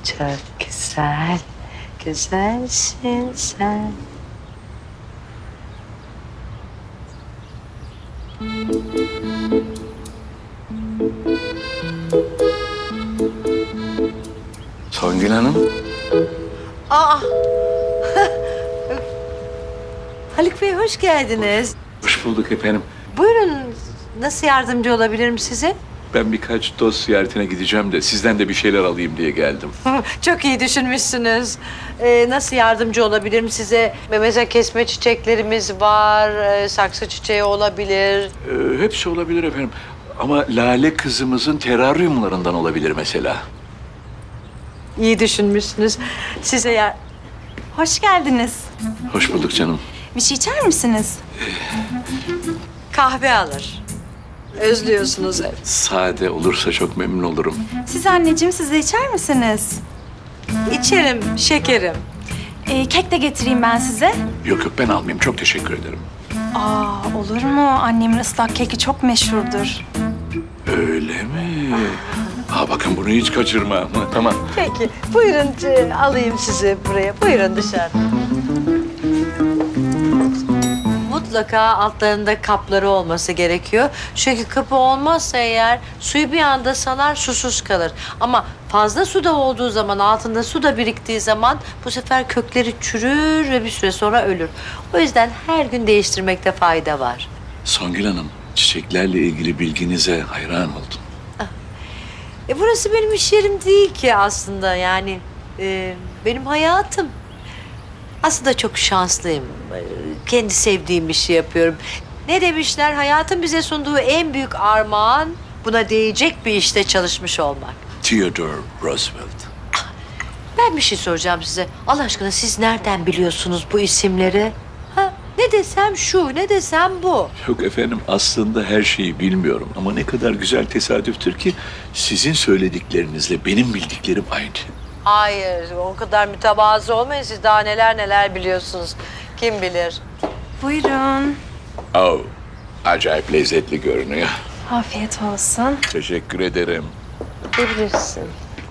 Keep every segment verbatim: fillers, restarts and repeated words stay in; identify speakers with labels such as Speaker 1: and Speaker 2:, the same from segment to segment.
Speaker 1: Çok güzel, güzelsin sen.
Speaker 2: Songül Hanım.
Speaker 1: Aa! Haluk Bey hoş geldiniz.
Speaker 2: Hoş bulduk efendim.
Speaker 1: Buyurun, nasıl yardımcı olabilirim size?
Speaker 2: Ben birkaç dost ziyaretine gideceğim de sizden de bir şeyler alayım diye geldim.
Speaker 1: Çok iyi düşünmüşsünüz. Ee, nasıl yardımcı olabilirim size? Mesela kesme çiçeklerimiz var, ee, saksı çiçeği olabilir.
Speaker 2: Ee, hepsi olabilir efendim. Ama Lale kızımızın teraryumlarından olabilir mesela.
Speaker 1: İyi düşünmüşsünüz. Size ya...
Speaker 3: Hoş geldiniz.
Speaker 2: Hoş bulduk canım.
Speaker 3: Bir şey içer misiniz?
Speaker 1: Kahve alır. Özlüyorsunuz hep.
Speaker 2: Sade olursa çok memnun olurum.
Speaker 3: Siz anneciğim, siz de içer misiniz?
Speaker 1: İçerim, şekerim.
Speaker 3: Ee, kek de getireyim ben size.
Speaker 2: Yok yok ben almayayım. Çok teşekkür ederim.
Speaker 3: Aa, olur mu? Annemin ıslak keki çok meşhurdur.
Speaker 2: Öyle mi? Aa, bakın bunu hiç kaçırma. Tamam.
Speaker 1: Peki, buyurun e, alayım sizi buraya. Buyurun dışarı. Mutlaka altlarında kapları olması gerekiyor. Çünkü kapı olmazsa eğer suyu bir anda salar, susuz kalır. Ama fazla suda olduğu zaman, altında su da biriktiği zaman bu sefer kökleri çürür ve bir süre sonra ölür. O yüzden her gün değiştirmekte fayda var.
Speaker 2: Songül Hanım, çiçeklerle ilgili bilginize hayran oldum.
Speaker 1: E burası benim iş yerim değil ki aslında, yani e, benim hayatım. Aslında çok şanslıyım. E, Kendi sevdiğim işi yapıyorum. Ne demişler? Hayatın bize sunduğu en büyük armağan buna değecek bir işte çalışmış olmak.
Speaker 2: Theodore Roosevelt.
Speaker 1: Ben bir şey soracağım size. Allah aşkına siz nereden biliyorsunuz bu isimleri? Ha? Ne desem şu, ne desem bu.
Speaker 2: Yok efendim aslında her şeyi bilmiyorum ama ne kadar güzel tesadüftür ki sizin söylediklerinizle benim bildiklerim aynı.
Speaker 1: Hayır, o kadar mütevazı olmayın. Siz daha neler neler biliyorsunuz. Kim bilir?
Speaker 3: Buyurun.
Speaker 2: Oh, acayip lezzetli görünüyor.
Speaker 3: Afiyet olsun.
Speaker 2: Teşekkür ederim.
Speaker 1: Ne bilirsin?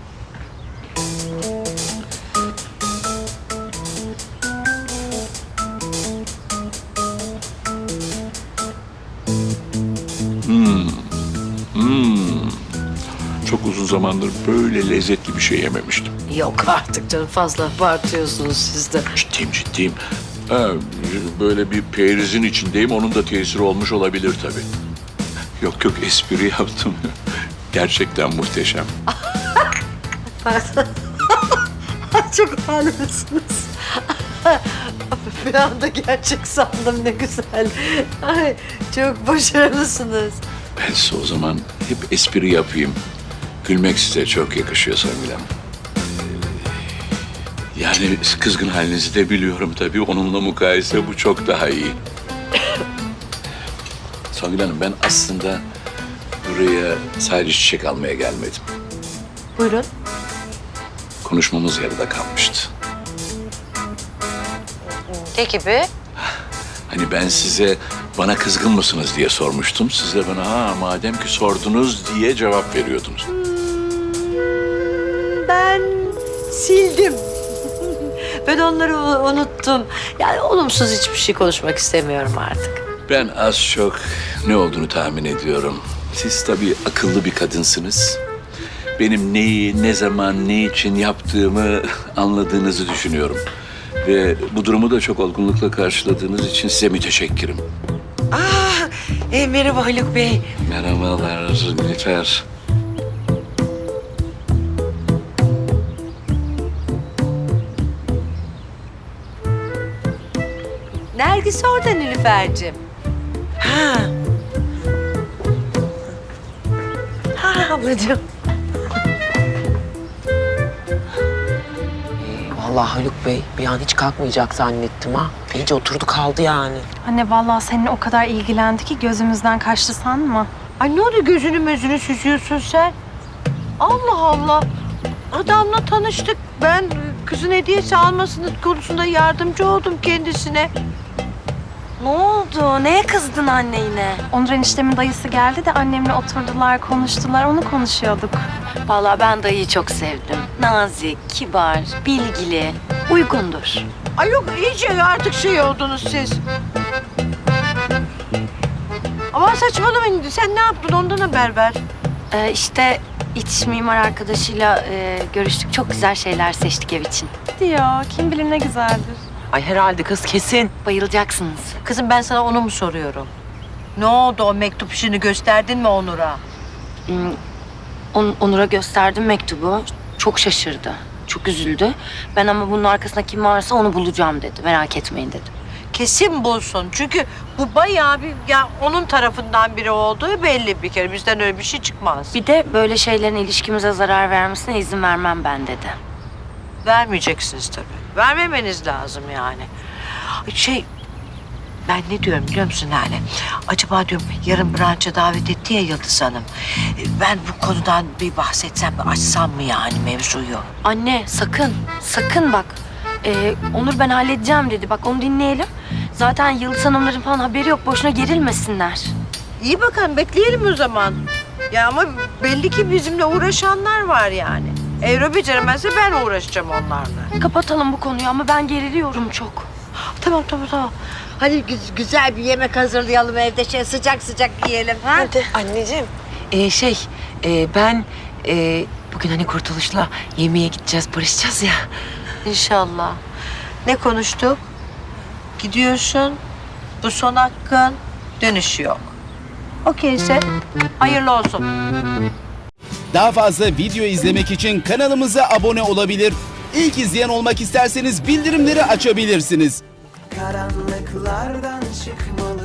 Speaker 2: Çok uzun zamandır böyle lezzetli bir şey yememiştim.
Speaker 1: Yok artık canım, fazla abartıyorsunuz siz de.
Speaker 2: Ciddiyim ciddiyim. Ha, böyle bir perizin içindeyim onun da tesiri olmuş olabilir tabii. Yok yok espri yaptım. Gerçekten muhteşem.
Speaker 1: Çok haklısınız. Bir anda gerçek sandım, ne güzel. Ay, çok başarılısınız.
Speaker 2: Ben size o zaman hep espri yapayım. Gülmek size çok yakışıyor Songül Hanım. Ee, Yani kızgın halinizi de biliyorum tabii. Onunla mukayese bu çok daha iyi. Songül Hanım ben aslında buraya sadece çiçek almaya gelmedim.
Speaker 1: Buyurun.
Speaker 2: Konuşmamız yarıda kalmıştı.
Speaker 1: Ne gibi?
Speaker 2: Hani ben size bana kızgın mısınız diye sormuştum. Siz de bana ha madem ki sordunuz diye cevap veriyordunuz.
Speaker 1: Ben sildim. Ben onları u- unuttum. Yani olumsuz hiçbir şey konuşmak istemiyorum artık.
Speaker 2: Ben az çok ne olduğunu tahmin ediyorum. Siz tabii akıllı bir kadınsınız. Benim neyi, ne zaman, ne için yaptığımı anladığınızı düşünüyorum. Ve bu durumu da çok olgunlukla karşıladığınız için size müteşekkirim.
Speaker 1: Aa, e, merhaba Haluk Bey.
Speaker 2: Merhabalar Nilüfer.
Speaker 1: Nergis orada Nilüfer'cim. Ha. Ha ablacığım.
Speaker 4: Vallahi Haluk Bey bir an hiç kalkmayacak zannettim ha. İyice oturdu kaldı yani.
Speaker 3: Anne vallahi seninle o kadar ilgilendi ki gözümüzden kaçtı sanma.
Speaker 1: Ay ne oldu, gözünü mözünü süzüyorsun sen? Allah Allah. Adamla tanıştık. Ben kızın hediyesi almasının konusunda yardımcı oldum kendisine.
Speaker 3: Ne oldu? Neye kızdın anne yine? Onur eniştemin dayısı geldi de annemle oturdular, konuştular. Onu konuşuyorduk.
Speaker 5: Vallahi ben dayıyı çok sevdim. Nazik, kibar, bilgili, uygundur.
Speaker 1: Ay yok iyice artık şey oldunuz siz. Ama saçmalamayın. Sen ne yaptın ondan haber ver.
Speaker 5: Ee, işte iç mimar arkadaşıyla e, görüştük. Çok güzel şeyler seçtik ev için.
Speaker 3: Diyor. Kim bilir ne güzeldir.
Speaker 4: Ay herhalde kız kesin.
Speaker 5: Bayılacaksınız.
Speaker 1: Kızım ben sana onu mu soruyorum? Ne oldu o mektup işini gösterdin mi Onur'a?
Speaker 5: Hmm, On- Onur'a gösterdim mektubu. Çok şaşırdı. Çok üzüldü. Ben ama bunun arkasında kim varsa onu bulacağım dedi. Merak etmeyin dedim.
Speaker 1: Kesin bulsun. Çünkü bu bayağı bir ya onun tarafından biri olduğu belli bir kere. Bizden öyle bir şey çıkmaz.
Speaker 5: Bir de böyle şeylerin ilişkimize zarar vermesine izin vermem ben dedi.
Speaker 1: Vermeyeceksiniz tabii. Vermemeniz lazım yani. Şey, ben ne diyorum biliyor musun Lale? Acaba diyorum yarın branşa davet etti ya Yıldız Hanım. E, Ben bu konudan bir bahsetsem mi, açsam mı yani mevzuyu?
Speaker 5: Anne sakın, sakın bak. Ee, Onur ben halledeceğim dedi. Bak onu dinleyelim. Zaten Yıldız Hanımların falan haberi yok. Boşuna gerilmesinler.
Speaker 1: İyi bakalım bekleyelim o zaman. Ya ama belli ki bizimle uğraşanlar var yani. Evro beceremezse ben uğraşacağım onlarla.
Speaker 5: Kapatalım bu konuyu ama ben geriliyorum çok.
Speaker 1: Tamam tamam tamam. Hadi gü- güzel bir yemek hazırlayalım evde şey sıcak sıcak yiyelim ha.
Speaker 4: Hadi anneciğim. Ee, şey e, ben e, bugün hani Kurtuluş'la yemeğe gideceğiz, barışacağız ya.
Speaker 1: İnşallah. Ne konuştuk? Gidiyorsun. Bu son hakkın. Dönüşü yok. Okeyse hayırlı olsun.
Speaker 6: Daha fazla video izlemek için kanalımıza abone olabilir. İlk izleyen olmak isterseniz bildirimleri açabilirsiniz.
Speaker 7: Karanlıklardan çıkmalı